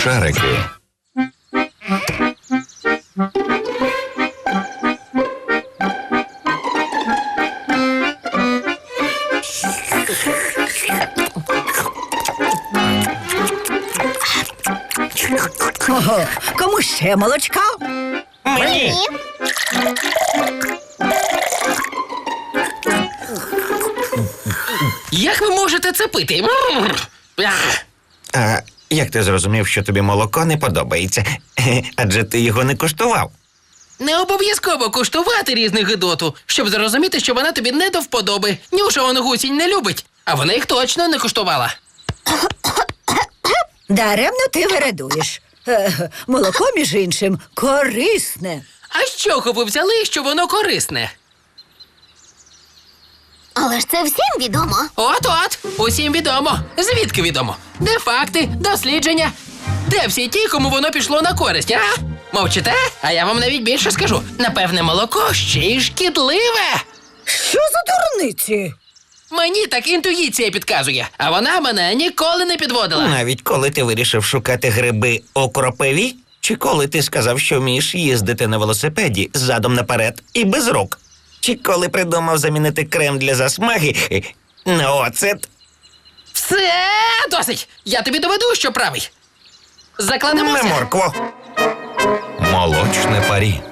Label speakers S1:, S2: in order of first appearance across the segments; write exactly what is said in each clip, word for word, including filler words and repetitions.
S1: Шарики.
S2: Ого, кому ще молочка?
S1: Мені!
S3: Як ви можете це пити? М! Ах!
S1: А як ти зрозумів, що тобі молоко не подобається? Адже ти його не куштував.
S3: Не обов'язково куштувати різних гидоту, щоб зрозуміти, що вона тобі не до вподоби. Нюша он гусінь не любить, а вона їх точно не куштувала.
S2: Даремно ти вередуєш. Е, молоко, між іншим, корисне.
S3: А з чого ви взяли, що воно корисне?
S4: Але ж це всім відомо.
S3: От-от, усім відомо. Звідки відомо? Де факти, дослідження? Де всі ті, кому воно пішло на користь, а? Мовчите? А я вам навіть більше скажу. Напевне, молоко ще й шкідливе.
S2: Що за дурниці?
S3: Мені так інтуїція підказує, а вона мене ніколи не підводила.
S1: Навіть коли ти вирішив шукати гриби у кропиві, чи коли ти сказав, що вмієш їздити на велосипеді задом наперед і без рук, чи коли придумав замінити крем для засмаги на оцет.
S3: Все, досить! Я тобі доведу, що правий.
S1: На
S3: Закладемося.
S1: моркву. Молочне парі.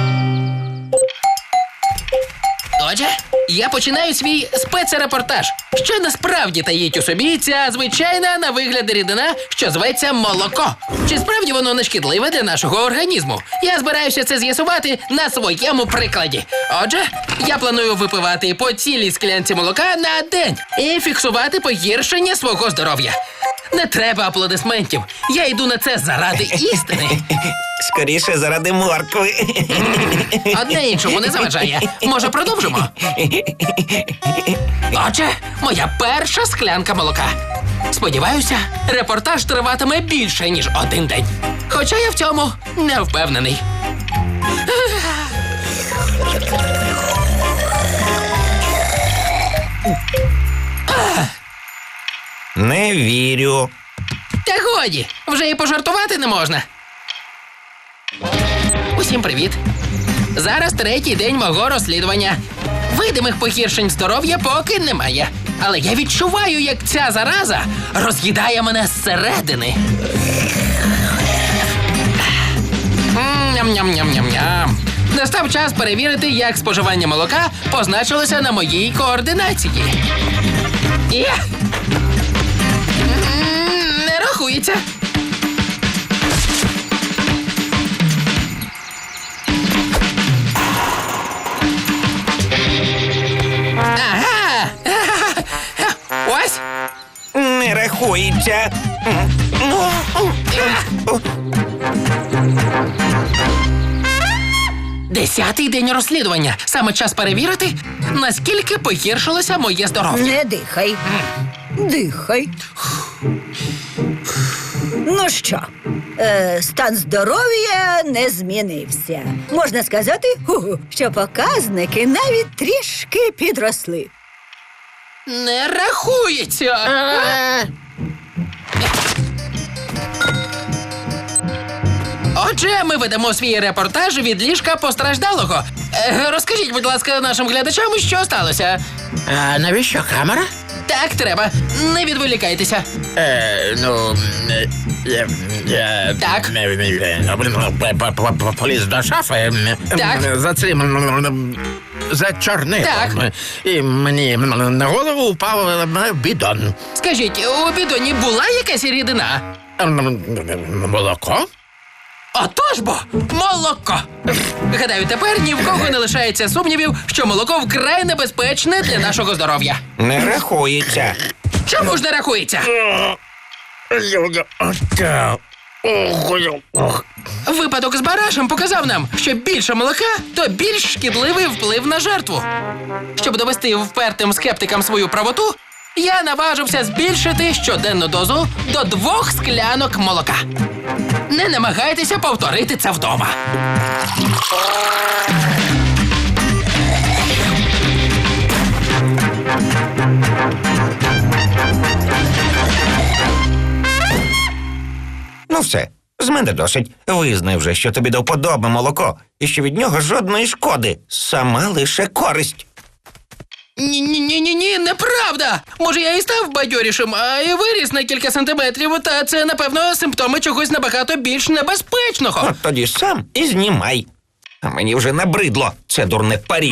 S3: Отже, я починаю свій спецрепортаж, що насправді таїть у собі ця звичайна на вигляд рідина, що зветься молоко. Чи справді воно не шкідливе для нашого організму? Я збираюся це з'ясувати на своєму прикладі. Отже, я планую випивати по цілій склянці молока на день і фіксувати погіршення свого здоров'я. Не треба аплодисментів. Я йду на це заради істини.
S1: Скоріше заради моркви.
S3: Одне іншому не заважає. Може, продовжимо? Отже, моя перша склянка молока. Сподіваюся, репортаж триватиме більше, ніж один день. Хоча я в цьому не впевнений.
S1: Не вірю.
S3: Та годі, вже і пожартувати не можна. Усім привіт. Зараз третій день мого розслідування. Видимих погіршень здоров'я поки немає. Але я відчуваю, як ця зараза роз'їдає мене зсередини. М, Ням-ням-ням-ням-ням. Настав час перевірити, як споживання молока позначилося на моїй координації. Є! М, Не рахується. Ага! Ось!
S1: Не рахується.
S3: Десятий день розслідування. Саме час перевірити, наскільки погіршилося моє здоров'я.
S2: Не дихай. Дихай. Ну що, е, стан здоров'я не змінився. Можна сказати, ху-ху, що показники навіть трішки підросли.
S3: Не рахується. Отже, ми ведемо свій репортаж від ліжка постраждалого. Е, розкажіть, будь ласка, нашим глядачам, що сталося.
S5: А навіщо камера?
S3: Так, треба. Не відволікайтеся.
S5: Е, ну... е, е, е,
S3: Так.
S5: е, е, е, п- п- п- Поліз до шафи. е,
S3: Так.
S5: е, За цим... м, За чорнилом.
S3: Так.
S5: І мені м, на голову упав е, бідон.
S3: Скажіть, у бідоні була якась рідина?
S5: М, м, Молоко?
S3: Отож бо, молоко! Гадаю, тепер ні в кого не лишається сумнівів, що молоко вкрай небезпечне для нашого здоров'я.
S1: Не рахується.
S3: Чому ж не рахується? Випадок з барашем показав нам, що більше молока, то більш шкідливий вплив на жертву. Щоб довести впертим скептикам свою правоту, я наважився збільшити щоденну дозу до двох склянок молока. Не намагайтеся повторити це вдома.
S1: Ну, Ну все, з мене досить. Визнай вже, що тобі до вподоби молоко, і що від нього жодної шкоди, сама лише користь.
S3: Ні-ні-ні-ні, неправда! Може, я і став бадьорішим, а і виріс на кілька сантиметрів, та це, напевно, симптоми чогось набагато більш небезпечного.
S1: От тоді сам і знімай. А мені вже набридло це дурне парі.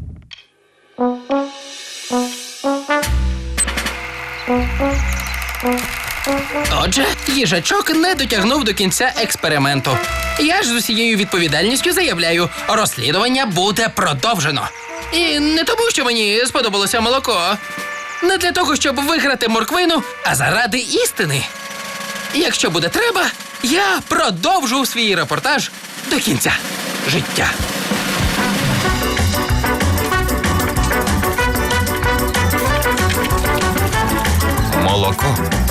S3: Отже, їжачок не дотягнув до кінця експерименту. Я ж з усією відповідальністю заявляю, розслідування буде продовжено. І не тому, що мені сподобалося молоко. Не для того, щоб виграти морквину, а заради істини. Якщо буде треба, я продовжу свій репортаж до кінця життя.
S1: Молоко